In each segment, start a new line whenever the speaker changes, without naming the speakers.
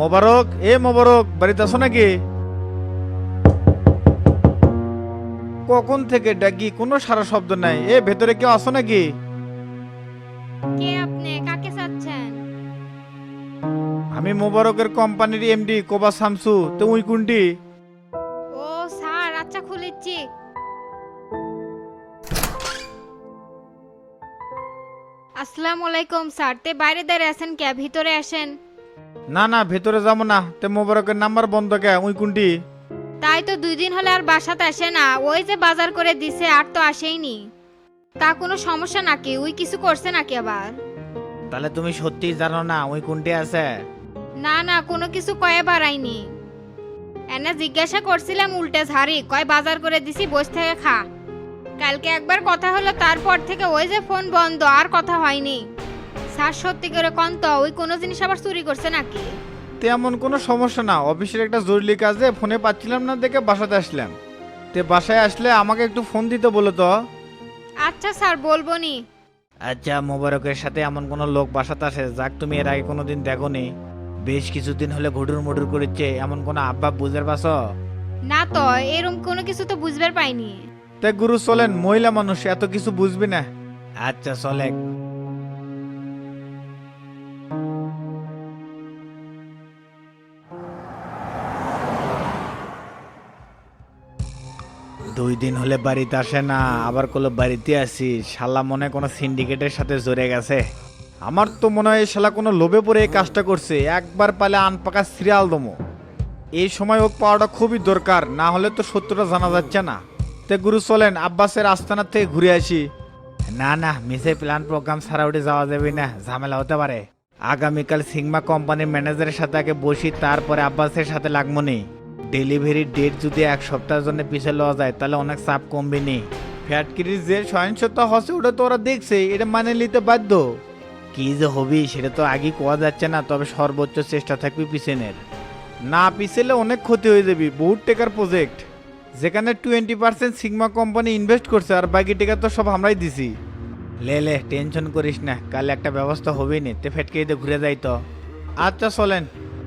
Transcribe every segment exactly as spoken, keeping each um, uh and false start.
মোবারক, এ মোবারক, বাড়িতে আছো নাকি? কখন থেকে ডাকি, কোনো সারা শব্দ নাই। এ ভেতরে কেউ আছো নাকি?
কে আপনি? কাকে চাচ্ছেন?
আমি মোবারকের কোম্পানির এমডি কোবা শামসু, তো উই কুন্টি।
ও স্যার, আচ্ছা খুলেছি। আসসালামু আলাইকুম স্যার, তে বাইরে দাঁড়িয়ে আছেন কে? ভিতরে আসেন।
না না, ভেতরে যাবো না। তে মোবারকের নাম্বার বন্ধ কে? উই কুন্টি।
তাই তো দুই দিন হলে আর বাসাতে আসে না। ওই যে বাজার করে দিছে আর তো আসেইনি। তা কোনো সমস্যা নাকি? ওই কিছু করছে নাকি আবার?
তাহলে তুমি সত্যি জানো না উই কুন্টি আছে?
না না, কোনো কিছু কয়ে বাড়াইনি। এনে জিজ্ঞাসা করছিলাম উল্টে ঝাড়ি কয় বাজার করে দিছি, বস থেকে খা। কালকে একবার কথা হলো, তারপর থেকে ওই যে ফোন বন্ধ, আর কথা হয়নি। স্যার সত্যি করে কন তো, ওই কোনো জিনিস আবার চুরি করছে নাকি?
তেমন কোনো সমস্যা না, অফিসের একটা জরুরি কাজে ফোনে পাচ্ছিলাম না দেখে বাসাতে আসলাম। তে বাসায় আসলে আমাকে একটু ফোন দিতে বলো তো।
আচ্ছা স্যার, বলবো নি।
আচ্ছা, মোবারকের সাথে এমন কোনো লোক বাসাতে আসে যাক তুমি এর আগে কোনোদিন দেখোনি? বেশ কিছুদিন হলে ঘুটুর মুটুর করেছে, এমন কোনো আব্বা বুঝতে পারছো?
না তো, এরম কোনো কিছু তো বুঝবার পাইনি।
তে গুরু চলেন, মহিলা মানুষ এত কিছু বুঝবি না। আচ্ছা চলে। দুই দিন হলে বাড়িতে আসে না, আবার কোনো বাড়িতে আসি। শালা মনে হয় কোনো সিন্ডিকেটের সাথে জড়ে গেছে। আমার তো মনে হয় শালা কোনো লোভে পড়ে এই কাজটা করছে। একবার পালে আনপাকা সিরিয়াল দমো। এই সময় ওক পাওয়াটা খুবই দরকার, না হলে তো সত্যটা জানা যাচ্ছে না। তে গুরু চলেন আব্বাসের আস্তানার থেকে ঘুরে আসি। না না, মিসে প্ল্যান প্রোগ্রাম ছাড়া উঠে যাওয়া যাবে না, ঝামেলা হতে পারে। আগামীকাল সিগমা কোম্পানির ম্যানেজারের সাথে আগে বসি, তারপরে আব্বাসের সাথে লাগবো নি। ডেলিভারির ডেট যদি এক সপ্তাহের জন্য পিছিয়ে লওয়া যায় তাহলে অনেক চাপ কমবে নি। ফ্যাক্টরির যে সহিংসতা হচ্ছে ওটা তো ওরা দেখছে, এটা মানে নিতে বাধ্য। কি যে হবি সেটা তো আগে কোয়া যাচ্ছে না, তবে সর্বোচ্চ চেষ্টা থাকবে পিছনের। না পিছলে অনেক ক্ষতি হয়ে যাবে, বহুত টাকার প্রজেক্ট। যেখানে twenty percent sigma company invest করছে আর বাকি টাকা তো সব আমরাই দিছি। লে লে টেনশন করিস না, কাল একটা ব্যবস্থা হবেই নি। তে ফেটকে ঈদে ঘুরে যাই তো। আচ্ছা চলেন।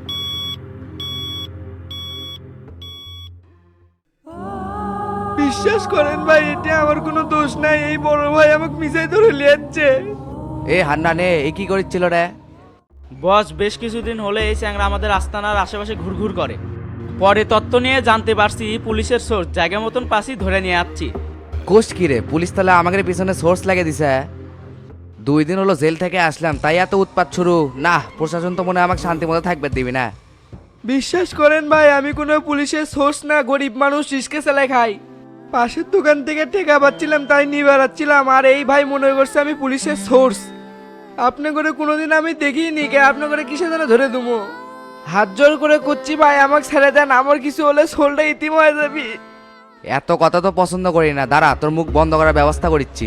বিশ্বাস করেন ভাই, এটা আমার কোনো দোষ নাই। এই বড় ভাই আমাকে মিশাই ধরে লিয়াচ্ছে।
এ হান্নানে এ কি করেছিল রে?
বস, বেশ কিছুদিন হলে এই চ্যাংরা আমাদের আস্তানার আশেপাশে ঘুরঘুর করে। পরে তত্ত্ব নিয়ে জানতে পারছি পুলিশের সোর্স জায়গা মতন পাশি ধরে নিয়ে আসছি।
কোষ কি রে, পুলিশ তাহলে আমাদের পিছনে সোর্স লাগিয়ে দিছে? দুই দিন হলো জেল থেকে আসলাম, তাই এত উৎপাত শুরু? না, প্রশাসন তো মনে হয় আমাকে শান্তি মতো থাকবে দিবি না।
বিশ্বাস করেন ভাই, আমি কোনো পুলিশের সোর্স না, গরিব মানুষ রিস্কে চালাই খাই। পাশের দোকান থেকে টেকা পাচ্ছিলাম তাই নিয়ে বেড়াচ্ছিলাম, আর এই ভাই মনে করছে আমি পুলিশের সোর্স। আপনি করে কোনোদিন আমি দেখিনি, কে আপনি করে কিসে যেন ধরে দুমো। হাত জোর করে করছি ভাই, আমাকে ছেড়ে দেন। আমার কিছু হলে সোলটা ইতিম হয়ে যাবি।
এত কথা তো পছন্দ করি না, দাঁড়া তোর মুখ বন্ধ করার ব্যবস্থা করিচ্ছি।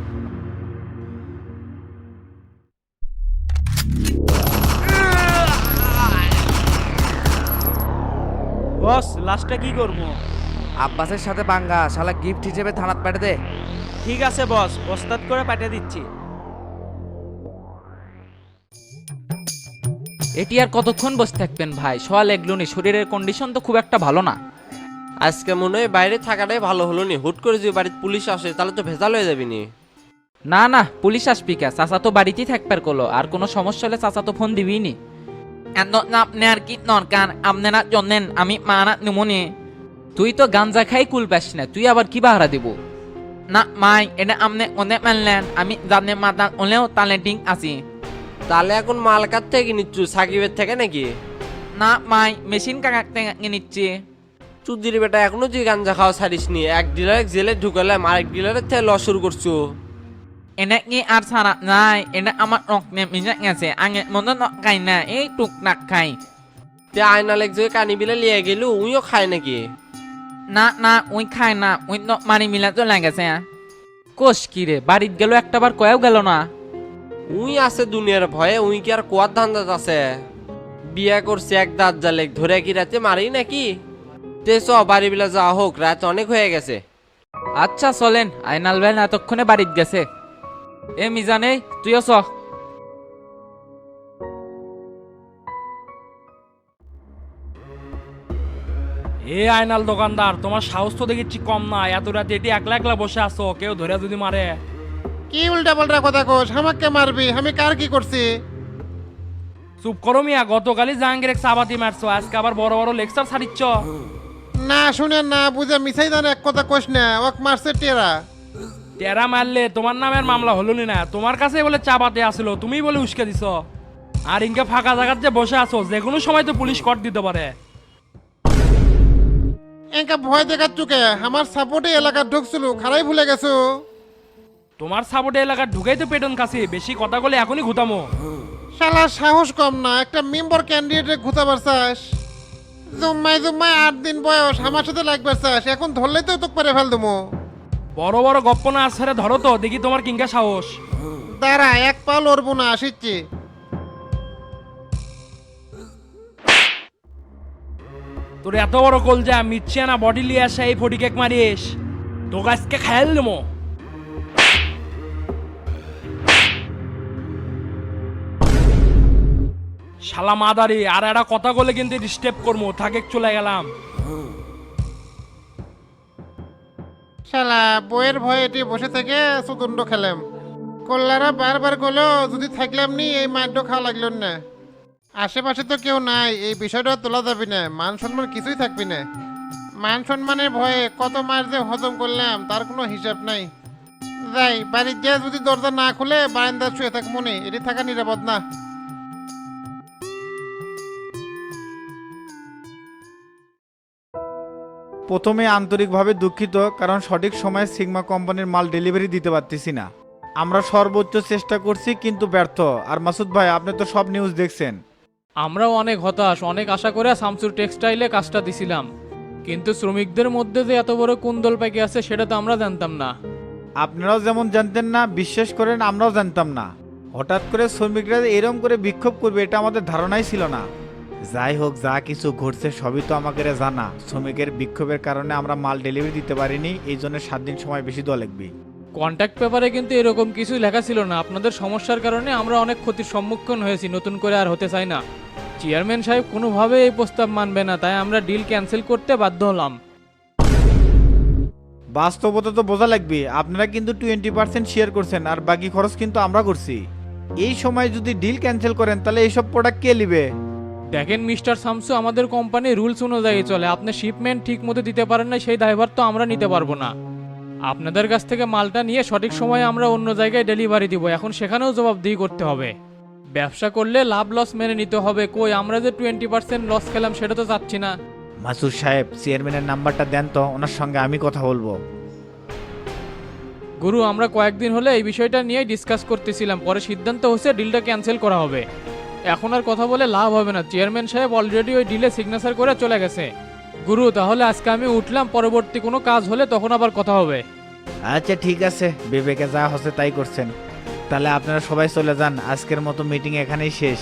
বস, লাস্টটা কি করবো?
আব্বাসের সাথে পাঙ্গা, শালা গিফট হিসেবে থানাত পাঠিয়ে দে।
ঠিক আছে বস, বস্তাদ করে পাঠিয়ে দিচ্ছি।
এটি আর কতক্ষণ বসে থাকবেন ভাই? সোয়াল এগলুনি, শরীরের কন্ডিশন তো খুব একটা ভালো না।
আজকে মনে হয় বাইরে থাকাটাই ভালো হলো নি। হুট করে যদি বাড়িতে পুলিশ আসে তাহলে তো ভেজাল হয়ে যাবি নি।
না না, পুলিশ আসবি কে? চাচা তো বাড়িতেই থাকবার করলো, আর কোনো সমস্যা হলে চাচা তো ফোন দিবি নি। আপনি আর কি দরকার? আপনারা জানেন আমি মারা নিমনি। তুই তো গাঞ্জা খাই কুল পাস না, তুই আবার কি বাহারা দিব? না মাই, এটা আপনি অনেক মানলেন, আমি জানে মাতা ওলেও ট্যালেন্টিং আছি।
তাহলে এখন মাল কার থেকে নিচ্ছু, সাকিবের থেকে নাকি?
না মাই, মেশিন কাকার থেকে নিচ্ছি।
চুদির বেটা, এখনো তুই গাঞ্জা খাওয়া ছাড়িস নি। এক ডিলার জেলে ঢুকালাম, আরেক ডিলারের থেকে লস শুরু করছো।
এটা কি আর ছাড়া নাই? এটা আমার রক্তে মিশে গেছে, আগে মনে খাই না, এই টুকটাক খাই।
তে আয়না লেগ যে কানি বিলে লিয়ে গেল, উইও খায় নাকি?
না না, ওই খায় না, ওই তো মারি মিলা চলে গেছে। কোষ কি রে, বাড়িত গেল একটা বার কয়েও গেল না।
উই আছে দুনিয়ার ভয়ে, উই কি আর কোয়ার ধান্দাত আছে? বিয়া করছে এক দাঁত জালেক ধরে, কি রাতে মারি নাকি? তে চ বাড়ি বিলা যাওয়া হোক, রাত অনেক হয়ে গেছে।
আচ্ছা চলেন, আইনাল ভাই এতক্ষণে বাড়িত গেছে। এ মিজানে, তুইও চ।
এ আয়নাল দোকানদার, তোমার সাহস তো দেখিচ্ছি কম না। এত রাতে এটি একলা একলা বসে আছো, কেউ ধরে যদি মারে।
কি উল্টা পাল্টা কথা কোস? আমাকে মারবি? আমি কার কি করছি?
চুপ করো মিয়া, গতকালই জাহাঙ্গীর এক চাবাতি মারছো, আজকে আবার বড় বড় লেকচার ছাড়িচ্ছ।
না শুনে না বুঝে মিছাই জানে এক কথা কোস না, ওক মারছে টেরা।
টেরা মারলে তোমার নামের মামলা হলো নি না? তোমার কাছে বলে চাবাতে আসলো, তুমিই বলে উস্কে দিছ। আর ইনকে ফাঁকা জায়গার যে বসে আছো, যে কোনো সময় তো পুলিশ কট দিতে পারে।
এঙ্কা ভয় দেখার চুকে আমার সাপোর্টে এলাকা ঢুকছিল, খারাই ভুলে গেছো।
তোমার সাপোর্টে এলাকার ঢুকেই তো পেটন কাছে, বেশি কথা বলে এখনই ঘুতামো।
শালা সাহস কম না, একটা মেম্বার ক্যান্ডিডেটে ঘুতাবার চাস? জুম্মাই জুম্মাই আট দিন বয়স, আমার সাথে লাগবার চাস? এখন ধরলেই তো তোকে পারে ফেল দেবো।
বড় বড় গপ্প না ছেড়ে ধরো তো দেখি তোমার কিংকা সাহস।
দাঁড়া, এক পা লড়বো না, আসিচ্ছি।
তোর এত বড় কল যা মিচ্ছে না বডি লিয়ে আসে এই ফটি কেক মারিস, তোকে আজকে খেয়াল দেবো। শালা মাদারি, আর একটা কথা বলে কিন্তু ডিস্টার্ব করবো, থাকে চলে গেলাম।
শালা বইয়ের ভয়ে এটি বসে থেকে সুদণ্ড খেলাম। কল্লারা বারবার গেলো, যদি থাকলাম নি এই মাদ্য খাওয়া লাগলো না। আশেপাশে তো কেউ নাই, এই বিষয়টা তোলা যাবি না, মান সম্মান কিছুই থাকবি না। মান সম্মানের ভয়ে কত মাস যে হজম করলাম তার কোনো হিসাব নাই। যাই বাড়ির গিয়ে যদি দরজা না খুলে বারান্দা শুয়ে থাক, মনে এটি থাকা নিরাপদ না।
প্রথমে আন্তরিকভাবে দুঃখিত, কারণ সঠিক সময়ে সিগমা কোম্পানির মাল ডেলিভারি দিতে পারতেছি না। আমরা সর্বোচ্চ চেষ্টা করছি কিন্তু ব্যর্থ। আর মাসুদ ভাই, আপনি তো সব নিউজ দেখছেন।
আমরাও অনেক হতাশ, অনেক আশা করে শামসুর টেক্সটাইলে কাজটা দিছিলাম, কিন্তু শ্রমিকদের মধ্যে যে এত বড় কুন্দল পাকি আছে সেটা তো আমরা জানতাম না।
আপনারাও যেমন জানতেন না, বিশ্বাস করেন আমরাও জানতাম না। হঠাৎ করে শ্রমিকরা এরম করে বিক্ষোভ করবে এটা আমাদের ধারণাই ছিল না। যাই হোক, যা কিছু ঘটছে সবই তো আমাকে জানা। শ্রমিকের বিক্ষোভের কারণে আমরা মাল ডেলিভারি দিতে পারিনি, এই জন্য সাত দিন সময় বেশি দেওয়া লাগবে।
কন্ট্যাক্ট পেপারে কিন্তু এরকম কিছুই লেখা ছিল না। আপনাদের সমস্যার কারণে আমরা অনেক ক্ষতির সম্মুখীন হয়েছি, নতুন করে আর হতে চাই না। চেয়ারম্যান সাহেব কোনোভাবে এই প্রস্তাব মানবে না, তাই আমরা ডিল ক্যান্সেল করতে বাধ্য হলাম।
বাস্তবতা তো বোঝা লাগবে। আপনারা কিন্তু টোয়েন্টি পার্সেন্ট শেয়ার করছেন, আর বাকি খরচ কিন্তু আমরা করছি। এই সময় যদি ডিল ক্যান্সেল করেন তাহলে এইসব প্রোডাক্ট কে নিবে?
দেখেন মিস্টার শামসু, আমাদের কোম্পানি রুলস অনুযায়ী চলে। আপনি শিপমেন্ট ঠিক মতো দিতে পারেন না, সেই দায়ভার তো আমরা নিতে পারবো না। আপনাদের কাছ থেকে মালটা নিয়ে সঠিক সময়ে আমরা অন্য জায়গায় ডেলিভারি দিব, এখন সেখানেও জবাবদিহি করতে হবে। ব্যবসা করলে লাভ লস মেনে নিতে হবে। কই আমরা যে টোয়েন্টি পার্সেন্ট লস খেলাম সেটা তো চাচ্ছি না।
মাসুদ সাহেব, চেয়ারম্যানের নাম্বারটা দেন তো, ওনার সঙ্গে আমি কথা বলবো।
গুরু, আমরা কয়েকদিন হলে এই বিষয়টা নিয়ে ডিসকাস করতেছিলাম, পরে সিদ্ধান্ত হচ্ছে ডিলটা ক্যান্সেল করা হবে। এখন আর কথা বলে লাভ হবে না, চেয়ারম্যান সাহেব অলরেডি ওই ডিলে সিগনেচার করে চলে গেছে। গুরু, তাহলে আজকে আমি উঠলাম, পরবর্তী কোনো কাজ হলে তখন আবার কথা হবে।
আচ্ছা ঠিক আছে, বিবেকে যা হচ্ছে তাই করছেন। তাহলে আপনারা সবাই চলে যান, আজকের মতো মিটিং এখানেই শেষ।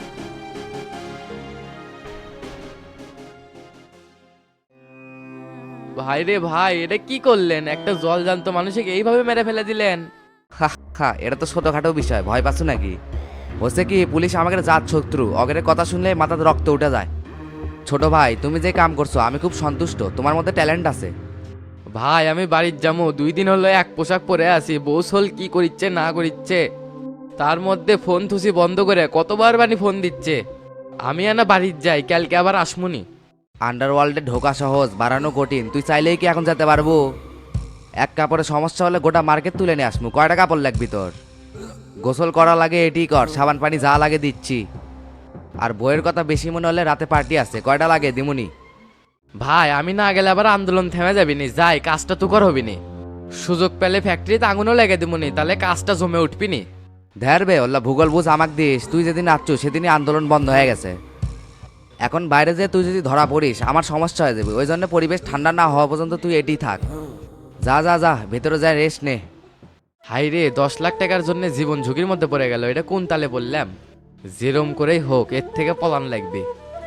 ভাই রে ভাই, এটা কি করলেন? একটা জল জান্ত মানুষকে এইভাবে মেরে ফেলে দিলেন। হা হা, এটা তো ছোটখাটো বিষয়, ভয় পাচ্ছ নাকি? হচ্ছে কি, পুলিশ আমাকে জাত শত্রু, অগের কথা শুনলে মাথাতে রক্ত উঠে যায়। ছোট ভাই, তুমি যে কাম করছো আমি খুব সন্তুষ্ট, তোমার মধ্যে ট্যালেন্ট আছে। ভাই আমি বাড়ির যাবো, দুই দিন হলো এক পোশাক পরে আছি, বৌসল কি করিচ্ছে না করিচ্ছে, তার মধ্যে ফোন থুসি বন্ধ করে কতবার বানি ফোন দিচ্ছে। আমি আনা বাড়ির যাই, কালকে আবার আসমুনি। আন্ডারওয়ার্ল্ডে ঢোকা সহজ, বাড়ানো কঠিন, তুই চাইলেই কি এখন যেতে পারবো? এক কাপড়ে সমস্যা হলে গোটা মার্কেট তুলে নিয়ে আসমু। কয়টা কাপড় লাগবি তোর? গোসল করা লাগে এটি কর, সাবান পানি যা লাগে দিচ্ছি। আর বইয়ের কথা বেশি মনে হলে রাতে পার্টি আছে, কয়টা লাগে দিমুনি। ভাই আমি না গেলে আবার আন্দোলন থেমে যাবিনি, যাই কাজটা তো কর হবিনি। সুযোগ পেলে ফ্যাক্টরিতে আগুনও লেগে দিমুনি, তাহলে কাজটা জমে উঠবিনি। ধ্যারবে ওল্লা ভূগোল বুঝ আমাক দিস, তুই যেদিন আসছো সেদিনই আন্দোলন বন্ধ হয়ে গেছে। এখন বাইরে যে তুই যদি ধরা পড়িস আমার সমস্যা হয়ে যাবে, ওই জন্য পরিবেশ ঠান্ডা না হওয়া পর্যন্ত তুই এটি থাক। যা যা যা ভেতরে যায় রেস্ট নে। হাই রে, দশ লাখ টাকার জন্য জীবন ঝুঁকির মধ্যে পড়ে গেল, এটা কোন তালে বললাম? যেরম করেই হোক এর থেকে পলান লাগবে।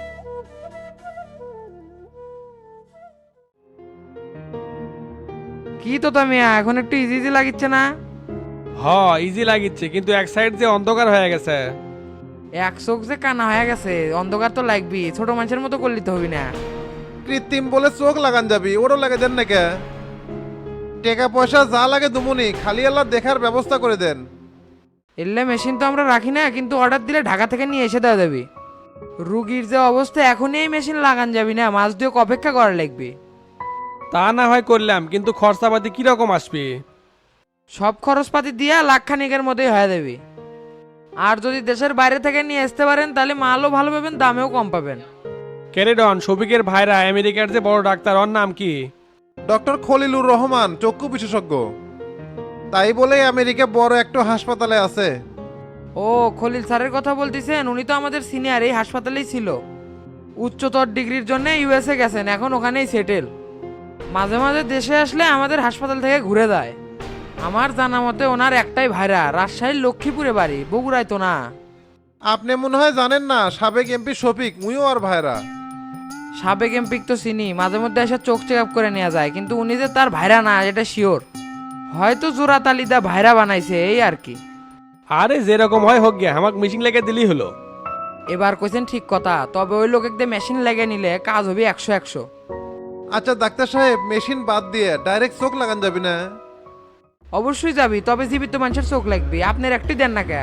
কি তো তুমি এখন একটু ইজি ইজি লাগিচ্ছে না?
হ ইজি লাগিচ্ছে, কিন্তু এক সাইড যে অন্ধকার হয়ে গেছে।
এক চোখ যে কানা হয়ে গেছে, অন্ধকার তো লাগবি, ছোট মানুষের মতো করলি তো হবি না।
কৃত্রিম বলে চোখ লাগান যাবি ওরও লাগে দেন নাকি টাকা পয়সা যা লাগে দুমুনি খালি আল্লাহ দেখার ব্যবস্থা করে দেন।
এলে মেশিন তো আমরা রাখি না, কিন্তু অর্ডার দিলে ঢাকা থেকে নিয়ে এসে দেওয়া যাবে। রুগীর যে অবস্থা এখনই এই মেশিন লাগান যাবি না, মাস দুয়েক অপেক্ষা করা লাগবে।
তা না হয় করলাম, কিন্তু খরচাপাতি কিরকম আসবে?
সব খরচপাতি দিয়া লাখ খানিকের মধ্যেই হয়ে যাবে। আর যদি দেশের বাইরে থেকে নিয়ে আসতে পারেন তাহলে মালও ভালো পাবেন, দামেও কম পাবেন।
ক্যারেডন শফিকের ভাইরা আমেরিকার যে বড় ডাক্তার, ওর নাম কি?
ডক্টর খলিলুর রহমান, চক্ষু বিশেষজ্ঞ। তাই বলে আমেরিকা বড় একটা হাসপাতালে আছে।
ও খলিল স্যারের কথা বলতেছেন? উনি তো আমাদের সিনিয়র, এই হাসপাতালেই ছিল। উচ্চতর ডিগ্রির জন্য ইউএসএ গেছেন, এখন ওখানেই সেটেল। মাঝে মাঝে দেশে আসলে আমাদের হাসপাতাল থেকে ঘুরে যায়। আমার জানা মতে ওনার একটাই ভাইরা, রাজশাহীর লক্ষ্মীপুরে বাড়ি, বগুড়ায় তো না।
আপনি মনে হয় জানেন না, সাবেক এমপি শফিক মুইও আর ভাইরা।
সাবেক এমপিক তো চিনি, মাঝে মধ্যে এসে চোখ চেক আপ করে নেওয়া যায়, কিন্তু উনি যে তার ভাইরা না এটা শিওর। হয়তো জোড়া তালিদা ভাইরা বানাইছে এই আর কি।
আরে যেরকম হয় হোক গে, আমাকে মিশিং লেগে দিলেই হলো।
এবার কইছেন ঠিক কথা, তবে ওই লোক একদম মেশিন লেগে নিলে কাজ হবে একশো একশো।
আচ্ছা ডাক্তার সাহেব, মেশিন বাদ দিয়ে ডাইরেক্ট চোখ লাগান যাবি না?
অবশ্যই যাবি, তবে জীবিত মানুষের চোখ লাগবে। আপনার একটি দেন না কে?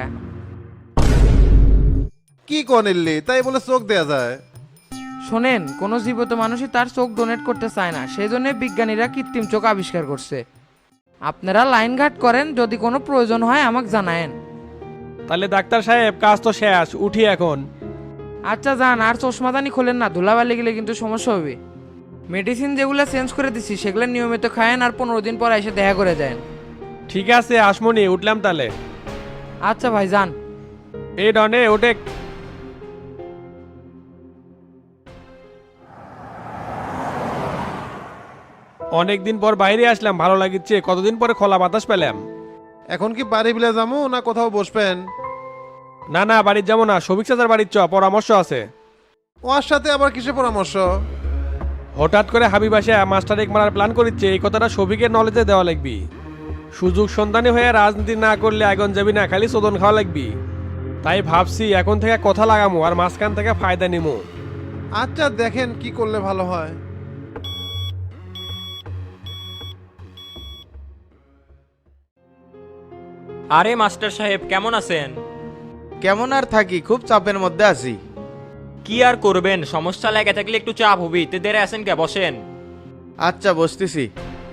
কি কনিল্লি তাই বলে চোখ দেয়া যায়?
শোনেন, কোনো জীবিত মানুষই তার চোখ ডোনেট করতে চায় না, সেই জন্য বিজ্ঞানীরা কৃত্রিম চোখ আবিষ্কার করছে। আপনারা লাইন ঘাট করেন, যদি কোনো প্রয়োজন হয় আমাকে জানায়েন।
তাহলে ডাক্তার সাহেব কাজ তো শেষ, উঠি এখন।
আচ্ছা যান, আর চশমাদানি খোলেন না, ধুলাবালি গেলে কিন্তু সমস্যা হবে। মেডিসিন যেগুলো চেঞ্জ করে দিছি সেগুলো নিয়মিত খায়েন, আর পনেরো দিন পর এসে দেখা করে দেন।
ঠিক আছে আসমনি, উঠলাম তাহলে।
আচ্ছা ভাই যান।
এই ডনে ওটে। অনেকদিন পর বাইরে আসলাম, ভালো লাগিচ্ছে। কতদিন পরে খোলা বাতাস পেলাম।
এখন কি বাড়ি বিলে যাবো না কোথাও বসবেন?
না না, বাড়ির যাবো না, সবিক চাচার বাড়ির চ, পরামর্শ আছে।
ওর সাথে আবার কিসে পরামর্শ?
হঠাৎ করে হাবিব আসে মাস্টার এক মারার প্ল্যান করিচ্ছে, এই কথাটা সবিকের নলেজে দেওয়া লাগবি। সুযোগ সন্ধানী হয়ে রাজনীতি না করলে আগুন যাবি না, খালি চোদন খাওয়া লাগবি। তাই ভাবছি এখন থেকে কথা লাগামু আর মাঝখান থেকে ফায়দা নিমু।
আচ্ছা দেখেন কি করলে ভালো হয়।
আরে মাস্টার সাহেব কেমন আছেন?
কেমন আর থাকি, খুব চাপের মধ্যে আছি।
কি আর করবেন, সমস্যা লেগে থাকলে একটু চাপ হবি। তে দেরে আছেন কে, বসেন।
আচ্ছা বসতেছি।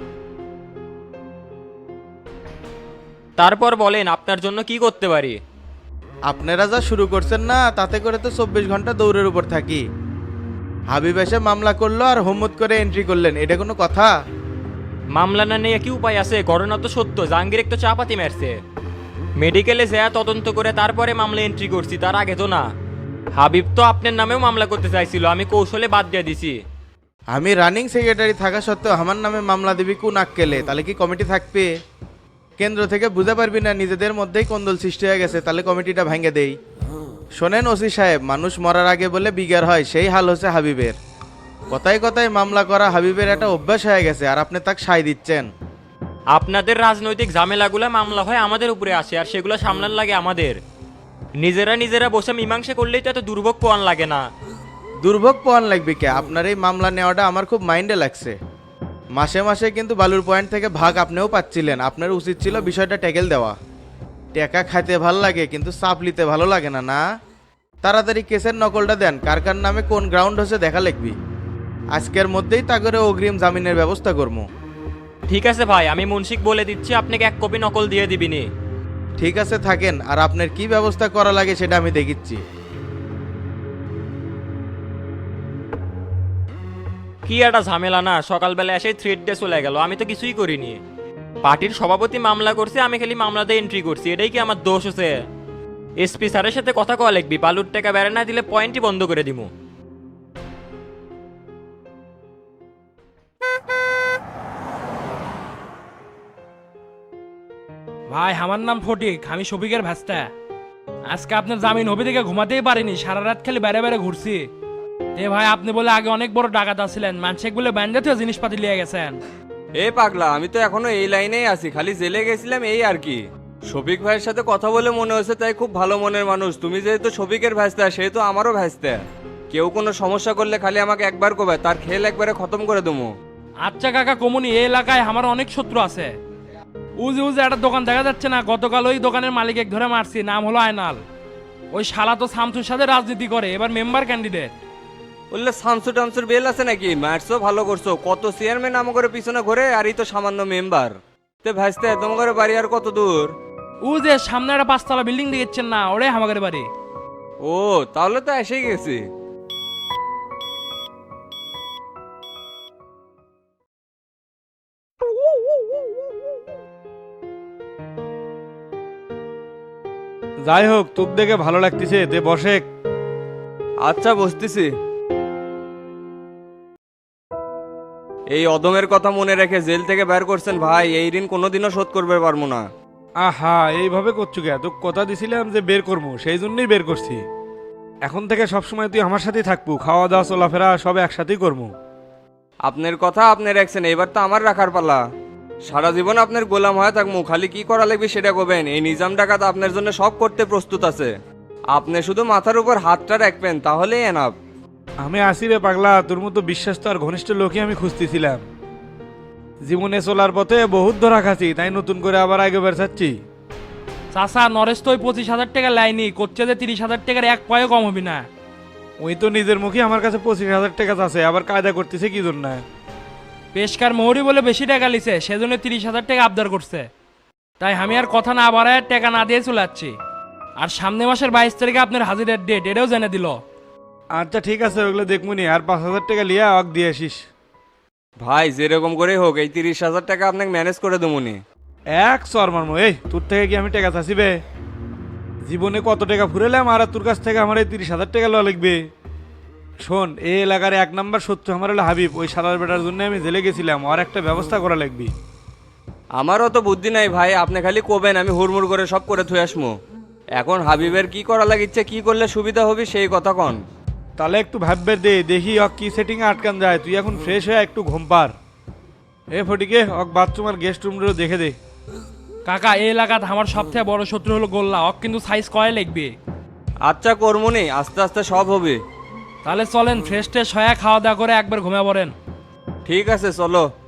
তারপর বলেন আপনার জন্য কি করতে পারি।
আপনারা যা শুরু করছেন না, তাতে করে তো চব্বিশ ঘন্টা দৌড়ের উপর থাকি। হাবিব এসে মামলা করলো আর হোমত করে এন্ট্রি করলেন, এটা কোনো কথা?
মামলা না নিয়ে কি উপায় আছে? ঘটনা তো সত্য, জাহাঙ্গীর একটু চাপাতি মারছে। মেডিকেলে যা তদন্ত করে তারপরে মামলা এন্ট্রি করছি, তার আগে তো না। হাবিব তো আপনার নামেও মামলা করতে চাইছিল, আমি কৌশলে বাদ দিয়ে দিছি।
আমি রানিং সেক্রেটারি থাকা সত্ত্বেও আমার নামে মামলা দিবি কোন আক্কেলে? তাহলে কি কমিটি থাকবে? কেন্দ্র থেকে বুঝতে পারবি না নিজেদের মধ্যেই কোন্দল সৃষ্টি হয়ে গেছে, তাহলে কমিটিটা ভেঙে দেই। শোনেন ওসি সাহেব, মানুষ মরার আগে বলে বিগার হয়, সেই হাল হচ্ছে হাবিবের। কথায় কথায় মামলা করা হাবিবের একটা অভ্যাস হয়ে গেছে, আর আপনি তাকে সায় দিচ্ছেন।
আপনাদের রাজনৈতিক ঝামেলাগুলো মামলা হয় আমাদের উপরে আসে, আর সেগুলো সামলান লাগে আমাদের। নিজেরা নিজেরা বসে মীমাংসা করলেই তো এত দুর্ভোগ পোয়ান লাগে না।
দুর্ভোগ পাওয়ান লাগবে কে? আপনার এই মামলা নেওয়াটা আমার খুব মাইন্ডে লাগছে। মাসে মাসে কিন্তু বালুর পয়েন্ট থেকে ভাগ আপনিও পাচ্ছিলেন, আপনার উচিত ছিল বিষয়টা ট্যাকেল দেওয়া। টাকা খাইতে ভালো লাগে কিন্তু চাপ নিতে ভালো লাগে না। না, তাড়াতাড়ি কেসের নকলটা দেন, কার কার নামে কোন গ্রাউন্ড হচ্ছে দেখা লিখবি। আজকের মধ্যেই তা করে অগ্রিম জামিনের ব্যবস্থা করবো।
ঠিক আছে ভাই, আমি মুন্সিক বলে দিচ্ছি, আপনাকে এক কপি নকল দিয়ে দিবিনি।
ঠিক আছে থাকেন, আর আপনার কি ব্যবস্থা করা লাগে সেটা আমি দেখিচ্ছি।
কি একটা ঝামেলা না, সকালবেলা এসে থ্রেড ডে চলে গেল, আমি তো কিছুই করিনি। পার্টির সভাপতি মামলা করছে, আমি খালি মামলাতে এন্ট্রি করছি, এটাই কি আমার দোষ হচ্ছে? এসপি স্যারের সাথে কথা কওয়া লিখবি, বালুর টাকা বেড়ে না দিলে পয়েন্টই বন্ধ করে দিব।
ভাই আমার নাম ফটিক, আমি শফিকের ভাস্তা। আজকে আপনার জামিন হবে দেখে ঘুমাতেই পারিনি, সারা রাত খালি বেড়ে বেড়ে ঘুরছি। এ ভাই আপনি বলে আগে অনেক বড় ডাকাত আছিলেন, মানুষের বলে ব্যান্ডাতেও জিনিসপাতি লিয়ে গেছেন।
এ পাগলা, আমি তো এখনো এই লাইনেই আছি, খালি জেলে গেছিলাম এই আর কি। শফিক ভাইয়ের সাথে কথা বলে মনে হচ্ছে তাই খুব ভালো মনের মানুষ। তুমি যেহেতু শফিকের ভাইস্তা, সেহেতু আমারও ভাইস্তা। কেউ কোনো সমস্যা করলে খালি আমাকে একবার কবে, তার খেল একবারে খতম করে দেবো।
আচ্ছা কাকা কমুনি, এই এলাকায় আমার অনেক শত্রু আছে। উজে উজে একটা দোকান দেখা যাচ্ছে না, গতকাল ওই দোকানের মালিক এক ধরে মারছি, নাম হলো আয়নাল। ওই শালা তো শামসুর সাথে রাজনীতি করে, এবার মেম্বার ক্যান্ডিডেট।
বললে শামসু টামসুর বেল আছে নাকি? মারছো ভালো করছো, কত চেয়ারম্যান নাম করে পিছনে ঘুরে, আর এই তো সামান্য মেম্বার। তে ভাইস্তে তোমার বাড়ি আর কত দূর?
ও যে সামনে একটা পাঁচতলা বিল্ডিং দেখছেন না, ওরে আমাদের বাড়ি।
ও তাহলে তো এসেই গেছি।
যাই হোক, তোর দেখে ভালো লাগতেছে, দে বসে।
আচ্ছা বসতেছি। এই অদমের কথা মনে রেখে জেল থেকে বের করছেন ভাই, এই ঋণ কোনোদিনও শোধ করবে পারবো না।
আহা, এইভাবে করছু কে? তোকে কথা দিছিলাম যে বের করবো, সেই জন্যই বের করছি। এখন থেকে সবসময় তুই আমার সাথেই থাকবো, খাওয়া দাওয়া চলাফেরা সব একসাথেই করবো।
আপনার কথা আপনি রাখছেন, এবার তো আমার রাখার পালা। সারা জীবন আপনার গোলাম হয়ে থাকবো, খালি কি করা লাগবে সেটা করবেন। এই নিজাম ডাকাত আপনার জন্য সব করতে প্রস্তুত আছে, আপনি শুধু মাথার উপর হাতটা রাখবেন তাহলেই এনাফ।
আমি আসি রে পাগলা, তোর মতো বিশ্বাস তো আর ঘনিষ্ঠ লোকই আমি খুঁজতেছিলাম। জীবনে চলার পথে বহুত ধরা খাচ্ছি, তাই নতুন করে আবার আগে বের চাচ্ছি।
চাষা নরেশ তো ওই পঁচিশ হাজার টাকা লাইনি করছে, যে তিরিশ হাজার টাকার এক পয়ও কম হবি না।
ওই তো নিজের মুখে আমার কাছে পঁচিশ হাজার টাকা আছে, আবার কায়দা করতেছে কি জন্য?
পেশকার মোহরি বলে বেশি টাকা লিছে, সেজন্য তিরিশ হাজার টাকা আবদার করছে। তাই আমি আর কথা না বাড়ায় টাকা না দিয়ে চলে যাচ্ছি। আর সামনে মাসের বাইশ তারিখে আপনার হাজিরের ডেট, এটাও জেনে দিল।
আচ্ছা ঠিক আছে, ওগুলো দেখবনি। আর পাঁচ হাজার টাকা লিয়া অক দিয়ে আসিস।
ভাই যেরকম করে হোক এই তিরিশ হাজার টাকা আপনাকে ম্যানেজ করে দেবনি।
এক সর মারমো। এই তোর থেকে কি আমি টাকা চাষিবে? জীবনে কত টাকা ফুরেলাম, আর তোর কাছ থেকে আমার এই তিরিশ হাজার টাকা লওয়া লাগবে? শোন, এই এলাকার এক নাম্বার শত্রু আমার হলো হাবিব। ওই সারার বেটার জন্য আমি জেলে গেছিলাম, আর একটা ব্যবস্থা করা লাগবে।
আমারও তো বুদ্ধি নাই ভাই, আপনি খালি কোবেন, আমি হুড়মুড় করে সব করে থুয়ে আসমো। এখন হাবিবের কি করা লাগিচ্ছে, কি করলে সুবিধা হবে সেই কথা কন।
তাহলে একটু ভাববে দে, দেখি অক কি সেটিং আটকান যায়। তুই এখন ফ্রেশ হয়ে একটু ঘুম পার। এ ফটিকে, অক বাথরুম আর গেস্ট রুমগুলো দেখে দে।
কাকা এই এলাকাত আমার সবথেকে বড় শত্রু হলো গোল্লা, অক কিন্তু সাইজ কয় লাগবে।
আচ্ছা কর্মনি, আস্তে আস্তে সব হবে।
তাহলে চলেন, ফ্রেশ ট্রেশ হয়ে খাওয়া দাওয়া করে একবার ঘুমিয়ে পড়েন।
ঠিক আছে চলো।